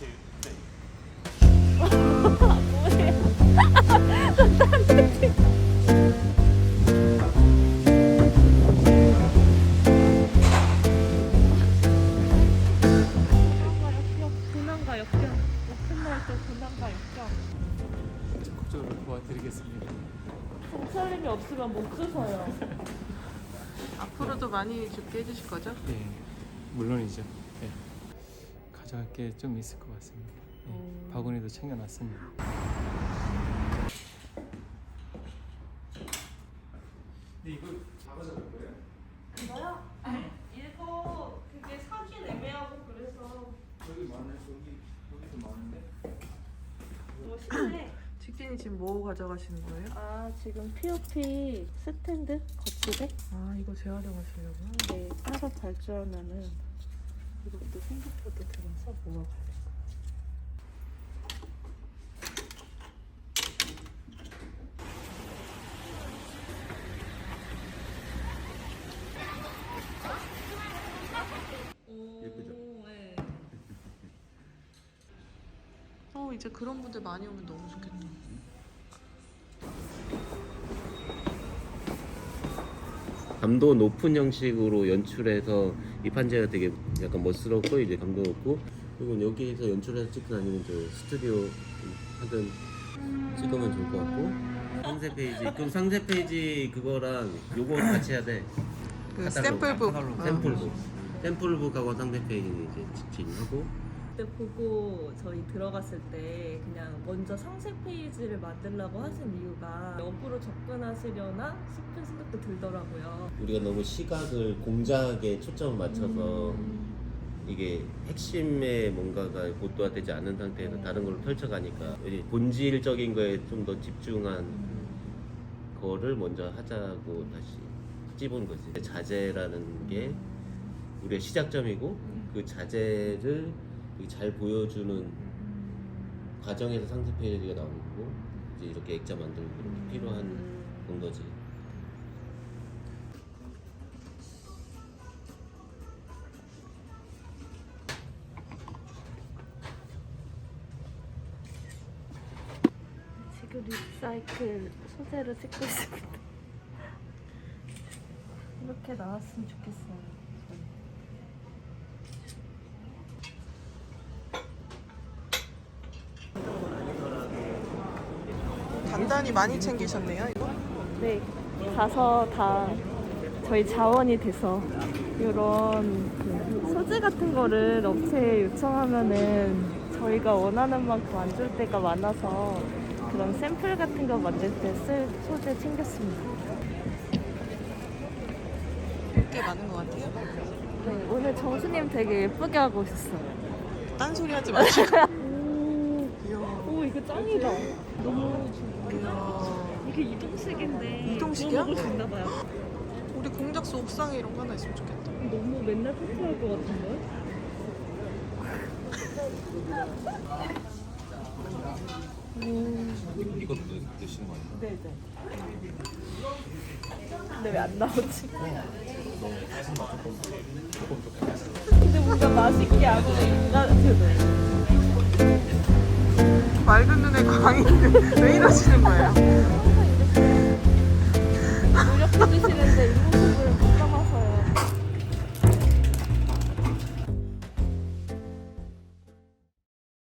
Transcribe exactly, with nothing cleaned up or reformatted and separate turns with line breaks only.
고난과 역경. 오픈날 때 고난과 역경.
적극적으로 도와드리겠습니다.
정철님이 없으면 못 주서요.
앞으로도 많이 죽게 해주실 거죠?
예, 물론이죠. 예. 가져갈 게 좀 있을 것 같습니다. 예,
음.
바구니도 챙겨놨습니다. 근데 이거 잡아서 갈 거예요?
이거요? 이거 그게 사긴 애매하고 그래서
여기 많아요. 여기 여기도 많은데.
뭐 쉽네.
직진이 지금 뭐 가져가시는 거예요?
아 지금 피오피 스탠드 거치대?
아 이거 재활용하시려고요?
네 따로 발주하면은 이것도 생각보다 들어서 모아가야 돼.
예쁘죠?
네.
어 이제 그런 분들 많이 오면 너무 좋겠다.
감도 높은 형식으로 연출해서 이 판재가 되게 약간 멋스럽고 이제 감도 높고, 그리고 여기에서 연출해서 찍든 아니면 저 스튜디오 하든 찍으면 좋을 것 같고. 상세 페이지, 그럼 상세 페이지 그거랑 요거 같이 해야 돼.
그
카탈로그,
샘플북.
카탈로그,
어.
샘플북 샘플북하고 상세 페이지는 이제 직진하고.
그때 보고 저희 들어갔을 때 그냥 먼저 상세 페이지를 만들려고 하신 이유가 역으로 접근하시려나 싶은 생각도 들더라고요.
우리가 너무 시각을 공작에 초점을 맞춰서
음.
이게 핵심에 뭔가가 고도화되지 않은 상태에서 다른 걸로 펼쳐가니까 이제 본질적인 거에 좀 더 집중한 거를 먼저 하자고 다시 찝은 거지. 자재라는 게 우리의 시작점이고, 그 자재를 잘 보여주는 과정에서 상세 페이지가 나오는 거고, 이제 이렇게 액자 만들고 이렇게 필요한 건 거지.
지금 리사이클 소재로 찍고 있습니다. 이렇게 나왔으면 좋겠어요.
단단히 많이 챙기셨네요 이거?
네, 가서 다 저희 자원이 돼서 이런 그 소재 같은 거를 업체에 요청하면은 저희가 원하는 만큼 안 줄 때가 많아서 그런 샘플 같은 거 만들 때 쓸 소재 챙겼습니다.
꽤 많은 것 같아요.
네, 오늘 정수님 되게 예쁘게 하고 오셨어요.
딴소리 하지 마시고.
오,
귀여워.
오 이거 짱이다. 너무
이야.
이게 이동식인데
이동식이야?
구워 먹을 수 있나 봐요.
우리 공작소 옥상에 이런 거 하나 있으면 좋겠다.
너무 맨날 포트할 것 같은데?
이것도 드시는 거 아니야?
네네. 근데 왜 안 나오지? 근데 뭔가 맛있게 하고 인간한테도.
맑은 눈에 광인데 왜 이러시는 거예요?